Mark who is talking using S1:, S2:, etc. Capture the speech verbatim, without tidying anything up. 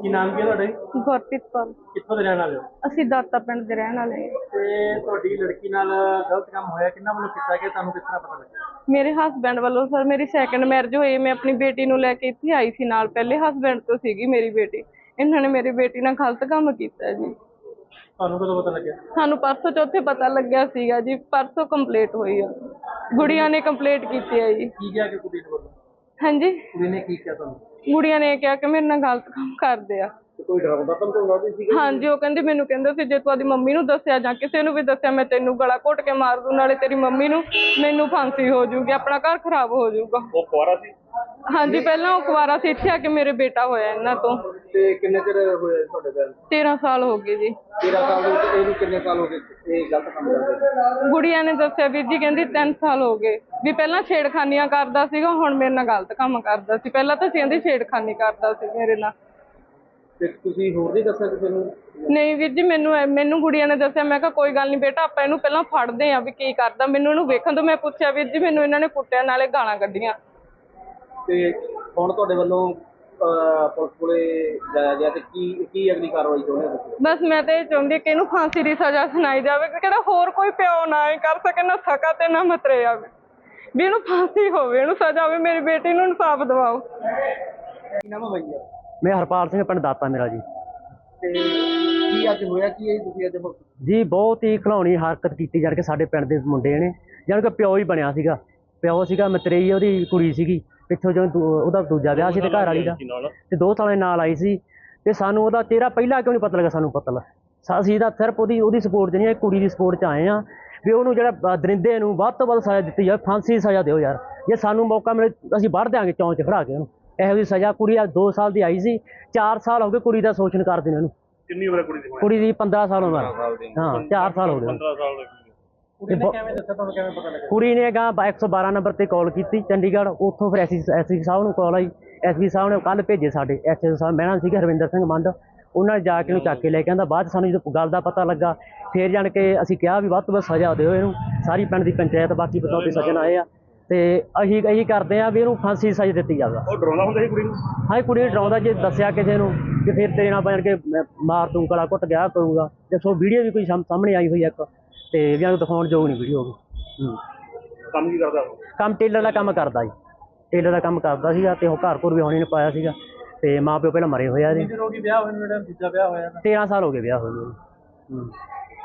S1: ਕੀ ਨਾਮ ਕੀ ਹੈ ਤੁਹਾਡਾ ਜੀ?
S2: ਗੁਰਪ੍ਰੀਤ ਕੌਰ।
S1: ਕਿੱਥੋਂ ਦੇ ਰਹਿਣ ਵਾਲੇ ਹੋ?
S2: ਅਸੀਂ ਦਾਤਾ ਪਿੰਡ ਦੇ ਰਹਿਣ ਵਾਲੇ ਹਾਂ।
S1: ਤੇ ਤੁਹਾਡੀ ਲੜਕੀ ਨਾਲ ਗਲਤ ਕੰਮ ਹੋਇਆ, ਕਿੰਨਾ ਵੱਲੋਂ ਕੀਤਾ ਗਿਆ, ਤੁਹਾਨੂੰ ਕਿਸ ਤਰ੍ਹਾਂ ਪਤਾ ਲੱਗਿਆ?
S2: ਮੇਰੇ ਹਸਬੈਂਡ ਵੱਲੋਂ ਸਰ, ਮੇਰੀ ਸੈਕੰਡ ਮੈਰਿਜ ਹੋਈ। ਮੈਂ ਆਪਣੀ ਬੇਟੀ ਨੂੰ ਲੈ ਕੇ ਇੱਥੇ ਆਈ ਸੀ ਨਾਲ। ਪਹਿਲੇ ਹਸਬੈਂਡ ਤੋਂ ਸੀਗੀ ਮੇਰੀ ਬੇਟੀ। ਇਹਨਾਂ ਨੇ ਮੇਰੀ ਬੇਟੀ ਨਾਲ ਗਲਤ ਕੰਮ ਕੀਤਾ ਜੀ।
S1: ਤੁਹਾਨੂੰ ਕਦੋਂ ਪਤਾ ਲੱਗਿਆ?
S2: ਸਾਨੂੰ ਪਰਸੋਂ ਚੌਥੇ ਪਤਾ ਲੱਗਿਆ ਸੀਗਾ ਜੀ। ਪਰਸੋਂ ਕੰਪਲੀਟ ਹੋਈ ਆ, ਗੁੜੀਆਂ ਨੇ ਕੰਪਲੀਟ ਕੀਤੀ ਹੈ ਜੀ।
S1: ਕੀ ਕਿਹਾ ਕਿ ਕੁੜੀ ਨੇ ਵੱਲੋਂ?
S2: ਹਾਂਜੀ,
S1: ਕੁੜੀ ਨੇ ਕੀ ਕਿਹਾ ਤੁਹਾਨੂੰ?
S2: ਗੁੜੀਆਂ ਨੇ ਕਿਹਾ ਕਿ ਮੇਰੇ ਨਾਲ ਗਲਤ ਕੰਮ ਕਰਦੇ ਆ।
S1: ਕੋਈ ਡਰਾਉਂਦਾ ਧਮਕਾਉਂਦਾ ਵੀ ਸੀਗਾ?
S2: ਹਾਂਜੀ, ਉਹ ਕਹਿੰਦੀ ਮੈਨੂੰ ਕਹਿੰਦਾ ਸੀ ਜੇ ਤੂੰ ਆਪਣੀ ਮੰਮੀ ਨੂੰ ਦੱਸਿਆ ਜਾਂ ਕਿਸੇ ਨੂੰ ਵੀ ਦੱਸਿਆ ਮੈਂ ਤੈਨੂੰ ਗਲਾ ਘੁੱਟ ਕੇ ਮਾਰ ਦੂੰ, ਨਾਲੇ ਤੇਰੀ ਮੰਮੀ ਨੂੰ ਮੈਨੂੰ ਫਾਂਸੀ ਹੋ ਜਾਊਗੀ, ਆਪਣਾ ਘਰ ਖਰਾਬ ਹੋ ਜਾਊਗਾ।
S1: ਉਹ ਕੁਆਰਾ ਸੀ?
S2: ਹਾਂਜੀ, ਪਹਿਲਾਂ ਉਹ ਕੁਆਰਾ ਸੀ। ਇੱਥੇ ਆ ਕੇ ਮੇਰੇ ਬੇਟਾ ਹੋਇਆ ਇਹਨਾਂ ਤੋਂ।
S1: ਤੇ ਕਿੰਨੇ ਚਿਰ ਹੋਇਆ ਤੁਹਾਡੇ ਘਰ?
S2: ਤੇਰਾਂ ਸਾਲ ਹੋ ਗਏ ਜੀ।
S1: ਤੇਰਾਂ ਸਾਲ ਦੇ ਵਿੱਚ ਇਹਨੂੰ ਕਿੰਨੇ ਸਾਲ ਹੋ ਗਏ ਇਹ ਗਲਤ ਕੰਮ ਕਰਦੇ?
S2: ਗੁੜੀਆ ਨੇ ਦੱਸਿਆ ਵੀਰ ਜੀ, ਕਹਿੰਦੀ ਤਿੰਨ ਸਾਲ ਹੋ ਗਏ ਵੀ। ਪਹਿਲਾਂ ਛੇੜਖਾਨੀਆਂ ਕਰਦਾ ਸੀਗਾ, ਹੁਣ ਮੇਰੇ ਨਾਲ ਗਲਤ ਕੰਮ ਕਰਦਾ ਸੀ। ਪਹਿਲਾਂ ਤਾਂ ਕਹਿੰਦੀ ਛੇੜਖਾਨੀ ਕਰਦਾ ਸੀ ਮੇਰੇ ਨਾਲ।
S1: ਤੇ ਤੁਸੀਂ ਹੋਰ ਨਹੀਂ ਦੱਸਿਆ ਕਿਸੇ ਨੂੰ?
S2: ਨਹੀਂ ਵੀਰ ਜੀ, ਮੈਨੂੰ ਮੈਨੂੰ ਗੁੜੀਆ ਨੇ ਦੱਸਿਆ। ਮੈਂ ਕਿਹਾ ਕੋਈ ਗੱਲ ਨਹੀਂ ਬੇਟਾ, ਆਪਾਂ ਇਹਨੂੰ ਪਹਿਲਾਂ ਫੜਦੇ ਆ ਵੀ ਕੀ ਕਰਦਾ। ਮੈਨੂੰ ਇਹਨੂੰ ਵੇਖਣ ਤੋਂ ਮੈਂ ਪੁੱਛਿਆ ਵੀਰ ਜੀ, ਮੈਨੂੰ ਇਹਨਾਂ ਨੇ ਕੁੱਟਿਆ ਨਾਲੇ ਗਾਲਾਂ ਕੱਢੀਆਂ।
S1: ਤੇ ਹੁਣ ਤੁਹਾਡੇ ਵੱਲੋਂ ਪੁਲਿਸ ਕੋਲੇ ਜਾਇਆ ਗਿਆ ਤੇ ਕੀ ਕੀ ਅਗਲੀ ਕਾਰਵਾਈ ਚਾਹੁੰਦੇ ਹੋ?
S2: ਬਸ ਮੈਂ ਤਾਂ ਇਹ ਚਾਹੁੰਦੀ ਕਿ ਇਹਨੂੰ ਫਾਂਸੀ ਦੀ ਸਜ਼ਾ ਸੁਣਾਈ ਜਾਵੇ, ਕਿਹੜਾ ਹੋਰ ਕੋਈ ਪਿਓ ਨਾ ਇਹ ਕਰ ਸਕੇ, ਨਾ ਸਕਾ ਤੇ ਨਾ ਮਤਰੇ ਆਵੇ, ਵੀ ਇਹਨੂੰ ਫਾਂਸੀ ਹੋਵੇ, ਇਹਨੂੰ ਸਜ਼ਾ ਹੋਵੇ। ਮੇਰੀ ਬੇਟੀ ਨੂੰ ਇਨਸਾਫ ਦਿਵਾਓ।
S1: ਕੀ ਨਾਮ ਹੈ ਭਈਆ?
S3: ਮੈਂ ਹਰਪਾਲ ਸਿੰਘ, ਪਿੰਡ ਦਾਤਾ ਮੇਰਾ ਜੀ।
S1: ਤੇ ਕੀ ਅੱਜ ਹੋਇਆ ਕੀ ਹੈ ਤੁਸੀਂ ਅੱਜ?
S3: ਜੀ ਬਹੁਤ ਹੀ ਖਿਲਾਉਣੀ ਹਰਕਤ ਕੀਤੀ ਜਾਣ ਕੇ ਸਾਡੇ ਪਿੰਡ ਦੇ ਮੁੰਡੇ ਨੇ, ਜਾਣੀ ਕਿ ਪਿਓ ਹੀ ਬਣਿਆ ਸੀਗਾ। ਪਿਓ ਸੀਗਾ ਮਤਰੇਈ, ਉਹਦੀ ਕੁੜੀ ਸੀਗੀ ਪਿੱਛੋਂ, ਜਦੋਂ ਉਹਦਾ ਦੂਜਾ ਵਿਆਹ ਸੀ ਤੇ ਘਰ ਵਾਲੀ ਦਾ, ਤੇ ਦੋ ਸਾਲਾਂ ਨਾਲ ਆਈ ਸੀ। ਤੇ ਸਾਨੂੰ ਉਹਦਾ ਚਿਹਰਾ ਪਹਿਲਾਂ ਕਿਉਂ ਨਹੀਂ ਪਤਾ ਲੱਗਾ? ਸਾਨੂੰ ਪਤਾ ਲੱਗਾ, ਅਸੀਂ ਤਾਂ ਸਿਰਫ ਉਹਦੀ ਉਹਦੀ ਸਪੋਰਟ 'ਚ ਨਹੀਂ, ਕੁੜੀ ਦੀ ਸਪੋਰਟ 'ਚ ਆਏ ਹਾਂ ਵੀ ਉਹਨੂੰ ਜਿਹੜਾ ਦਰਿੰਦੇ ਨੂੰ ਵੱਧ ਤੋਂ ਵੱਧ ਸਜ਼ਾ ਦਿੱਤੀ ਜਾਵੇ, ਫਾਂਸੀ ਦੀ ਸਜ਼ਾ ਦਿਓ ਯਾਰ। ਜੇ ਸਾਨੂੰ ਮੌਕਾ ਮਿਲੇ ਅਸੀਂ ਵੱਢ ਦਿਆਂਗੇ ਚੌਂਚ 'ਚ ਖੜਾ ਕੇ ਉਹਨੂੰ। ਇਹੋ ਜਿਹੀ ਸਜ਼ਾ। ਕੁੜੀ ਆ ਦੋ ਸਾਲ ਦੀ ਆਈ ਸੀ, ਚਾਰ ਸਾਲ ਹੋ ਗਏ ਕੁੜੀ ਦਾ ਸ਼ੋਸ਼ਣ ਕਰਦੇ ਨੇ ਉਹਨੂੰ।
S1: ਕਿੰਨੀ ਉਮਰ ਹੈ ਕੁੜੀ ਦੀ?
S3: ਕੁੜੀ ਦੀ ਪੰਦਰਾਂ ਸਾਲ ਉਮਰ। ਹਾਂ, ਚਾਰ ਸਾਲ ਹੋ ਗਏ।
S1: ਪੰਦਰਾਂ ਸਾਲ ਦੀ ਕੁੜੀ ਨੇ ਕਿਵੇਂ ਦੱਸਿਆ ਤੁਹਾਨੂੰ? ਕਿਵੇਂ ਪਤਾ ਲੱਗਾ?
S3: ਕੁੜੀ ਨੇ ਗਾ ਇੱਕ ਸੌ ਬਾਰਾਂ ਨੰਬਰ ਤੇ ਕਾਲ ਕੀਤੀ ਚੰਡੀਗੜ੍ਹ, ਉੱਥੋਂ ਫਿਰ ਐਸ ਐਸਪੀ ਸਾਹਿਬ ਨੂੰ ਕਾਲ ਆਈ। ਐਸਪੀ ਸਾਹਿਬ ਨੇ ਕੱਲ੍ਹ ਭੇਜੇ ਸਾਡੇ ਐਸ ਓ ਸਾਹਿਬ ਮੈਡਮ ਸੀਗੇ ਹਰਵਿੰਦਰ ਸਿੰਘ ਮੰਡ, ਉਹਨਾਂ ਨੇ ਜਾ ਕੇ ਉਹਨੂੰ ਚੱਕ ਕੇ ਲੈ ਕੇ ਆਂਦਾ। ਬਾਅਦ 'ਚ ਸਾਨੂੰ ਜਦੋਂ ਗੱਲ ਦਾ ਪਤਾ ਲੱਗਾ ਫਿਰ ਜਾਣ ਕੇ ਅਸੀਂ ਕਿਹਾ ਵੀ ਵੱਧ ਤੋਂ ਵੱਧ ਸਜ਼ਾ ਦਿਓ ਇਹਨੂੰ। ਸਾਰੀ ਪਿੰਡ ਦੀ ਪੰਚਾਇਤ ਬਾਕੀ ਬਤੌਤੇ ਸੱਜਣ ਆਏ ਆ, ਤੇ ਅਸੀਂ ਇਹੀ ਕਰਦੇ ਹਾਂ ਵੀ ਇਹਨੂੰ ਫਾਂਸੀ ਦੀ ਸਜ਼ਾ ਦਿੱਤੀ ਜਾਵੇ।
S1: ਉਹ ਡਰਾਉਂਦਾ ਹੁੰਦਾ ਸੀ ਕੁੜੀ ਨੂੰ?
S3: ਹਾਂ, ਕੁੜੀ ਨੂੰ ਡਰਾਉਂਦਾ, ਜੇ ਦੱਸਿਆ ਕਿਸੇ ਨੂੰ ਕਿ ਫਿਰ ਤੇਰੇ ਨਾਲ ਬਣ ਕੇ ਮਾਰ ਦੂੰ, ਗਲਾ ਘੁੱਟ ਗਿਆ ਕਰੂੰਗਾ। ਤੇ ਸੋ ਵੀਡੀਓ ਵੀ ਕੋਈ ਸਾਹਮਣੇ ਆਈ ਹੋਈ ਇੱਕ, ਤੇ ਵੀ ਨੂੰ ਦਿਖਾਉਣ ਯੋਗ ਨਹੀਂ ਵੀਡੀਓ ਹੋ ਗਈ।
S1: ਕੰਮ ਕੀ ਕਰਦਾ?
S3: ਕੰਮ ਟੇਲਰ ਦਾ ਕੰਮ ਕਰਦਾ ਜੀ, ਟੇਲਰ ਦਾ ਕੰਮ ਕਰਦਾ ਸੀਗਾ। ਤੇ ਉਹ ਘਰ ਘਰ ਵੀ ਹੋਣੀ ਨੇ ਪਾਇਆ ਸੀਗਾ, ਤੇ ਮਾਂ ਪਿਓ ਪਹਿਲਾਂ ਮਰੇ ਹੋਇਆ ਜੀ।
S1: ਵਿਆਹ ਹੋਇਆ ਨੂੰ ਜਿਹੜਾ ਦੂਜਾ ਵਿਆਹ ਹੋਇਆ?
S3: ਤੇਰਾਂ ਸਾਲ ਹੋ ਗਏ ਵਿਆਹ ਹੋਏ ਨੂੰ।